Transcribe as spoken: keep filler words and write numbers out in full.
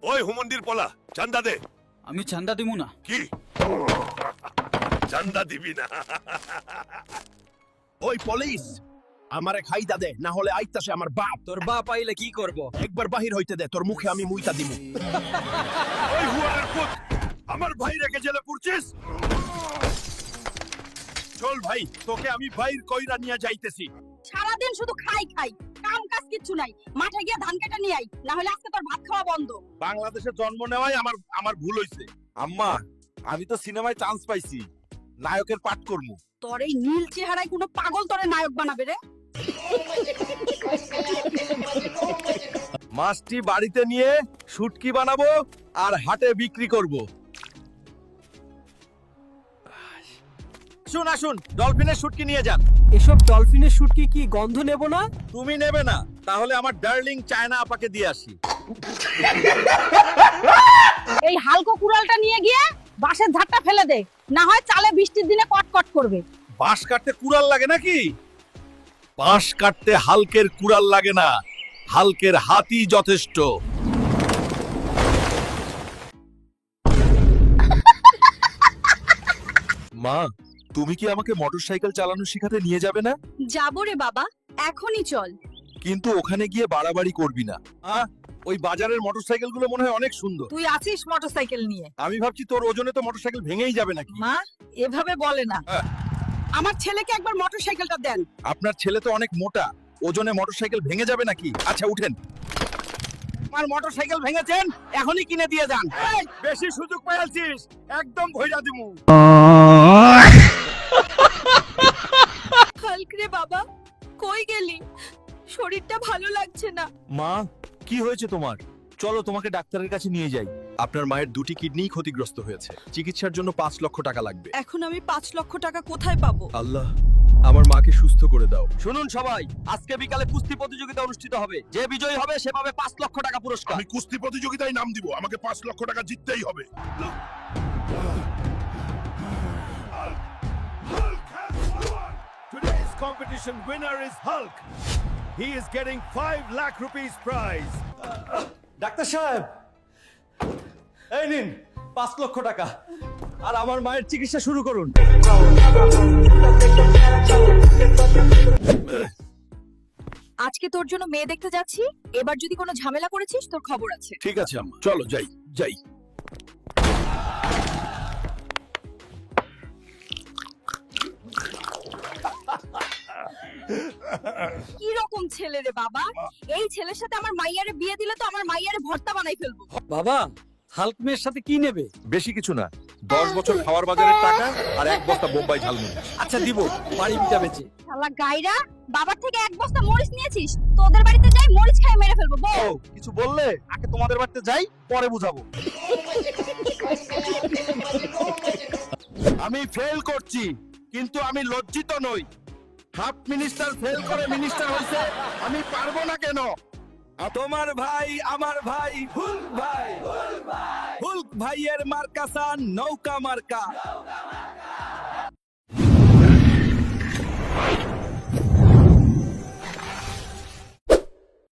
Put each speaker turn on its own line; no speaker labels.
ওই হুমন্দির পলা চান্দা দে।
আমি চান্দা দিব না।
কি চান্দা দিবি না?
ওই পুলিশ আমারে খাইদা দে, না হলে আইতাছে আমার বাপ।
তোর বাপ আইলে কি করব?
একবার বাহির হইতে দে, তোর মুখে আমি মুইতা দিব।
ওই হুয়ারের পুত আমার ভাই রেখে জেলে পুরছিস?
চল ভাই, তোকে আমি বাইর কইরা নিয়ে যাইতেছি।
সারাদিন শুধু খাই খাই, কাম কাজ কিচ্ছু নাই। মাঠে গিয়ে ধান কাটা নিয়ে আই, না হলে আজকে তোর ভাত খাওয়া বন্ধ।
বাংলাদেশে জন্ম নেওয়াই আমার আমার ভুল হইছে। আম্মা, আমি তো সিনেমায় চান্স পাইছি, নায়কের পাঠ করমু।
তোর এই নীল চেহারায় কোনো পাগল তোরে নায়ক বানাবে রে?
মাছটি বাড়িতে নিয়ে শুটকি বানাবো আর হাটে বিক্রি করব। শুন আসুন, ডলফিনের শুটকি নিয়ে যান।
এসব ডলফিনের শুটকি কি গন্ধ নেব না?
তুমি নেবে না? তাহলে আমার ডার্লিং চায়না আপাকে দিয়ে আসি।
এই হালকো কুড়ালটা নিয়ে গিয়ে বাঁশের ঝাড়টা ফেলে দে, না হয় চালে বৃষ্টির দিনে কটকট করবে।
বাঁশ কাটতে কুড়াল লাগে নাকি? বাঁশ কাটতে হালকের কুড়াল লাগে না, হালকের হাতই যথেষ্ট। মা, তুমি কি আমাকে মোটরসাইকেল চালানো শেখাতে নিয়ে যাবে না?
যাবো রে বাবা, এখনই চল।
কিন্তু ওখানে গিয়ে বাড়াবাড়ি করবি না। আ, ওই বাজারের মোটরসাইকেল গুলো মনে হয় অনেক সুন্দর।
তুই আছিস মোটরসাইকেল নিয়ে?
আমি ভাবছি তোর ওজনে তো মোটরসাইকেল ভেঙেই যাবে নাকি।
মা এভাবে বলে না।
হ্যাঁ।
আমার ছেলেকে একবার মোটরসাইকেলটা দেন।
আপনার ছেলে তো অনেক মোটা, ওজনে মোটরসাইকেল ভেঙে যাবে নাকি? আচ্ছা উঠেন। আমার মোটরসাইকেল ভেঙেছেন, এখনই কিনে দিয়ে যান। এই, বেশি সুযোগ পেয়েছিস, একদম ভইরা দিমু।
হালক রে বাবা, কই গেলি? শরীরটা ভালো লাগছে না।
মা, কি হয়েছে তোমার? চলো তোমাকে ডাক্তারের কাছে নিয়ে যাই। আপনার মায়ের দুটি কিডনিই ক্ষতিগ্রস্ত হয়েছে, চিকিৎসার জন্য পাঁচ লক্ষ টাকা লাগবে।
এখন আমি পাঁচ লক্ষ টাকা কোথায় পাবো?
আল্লাহ, আমার মাকে সুস্থ করে দাও। শুনুন সবাই, আজকে বিকালে কুস্তি প্রতিযোগিতা অনুষ্ঠিত হবে। যে বিজয়ী হবে সে পাবে পাঁচ লক্ষ টাকা পুরস্কার।
আমি কুস্তি প্রতিযোগিতায় নাম দিব, আমাকে পাঁচ লক্ষ টাকা জিততেই হবে।
Today's competition winner is Hulk. He is getting five lakh rupees prize.
Doctor সাহেব, এই নিন পাঁচ লক্ষ টাকা, আর আমার মায়ের চিকিৎসা শুরু করুন।
আজকে তোর জন্য মেয়ে দেখতে যাচ্ছি, এবার যদি কোনো ঝামেলা করেছিস তোর খবর আছে।
ঠিক আছে আম্মা, চলো যাই যাই।
কি রকম ছেলে রে বাবা? এই ছেলের সাথে আমার মাইয়ারে বিয়ে দিলে তো আমার মাইয়ারে ভর্তা বানাই ফেলবো।
বাবা, হাল্ক মেয়ের সাথে কি নেবে?
বেশি কিছু না, দশ বছর খাওয়ার বাজারের টাকা আর এক বস্তা বোম্বাই ঝালমুড়ি।
আচ্ছা দিব, বাড়ি বিটা বেচে।
শালা গাইরা, বাবার থেকে এক বস্তা মরিচ নিয়েছিস, তোদের বাড়িতে যাই মরিচ খাই মেরে ফেলবো। বল।
ও, কিছু বললে আগে তোমাদের বাড়িতে যাই, পরে বুঝাবো। আমি ফেল করছি, কিন্তু আমি লজ্জিত নই। হাফ মিনিস্টার ফেল করে মিনিস্টার হইছে, আমি পারবো না কেন? তোমার ভাই আমার ভাই হুল্ক ভাই, হুল্ক ভাইয়ের মার্কা সান নৌকা মার্কা।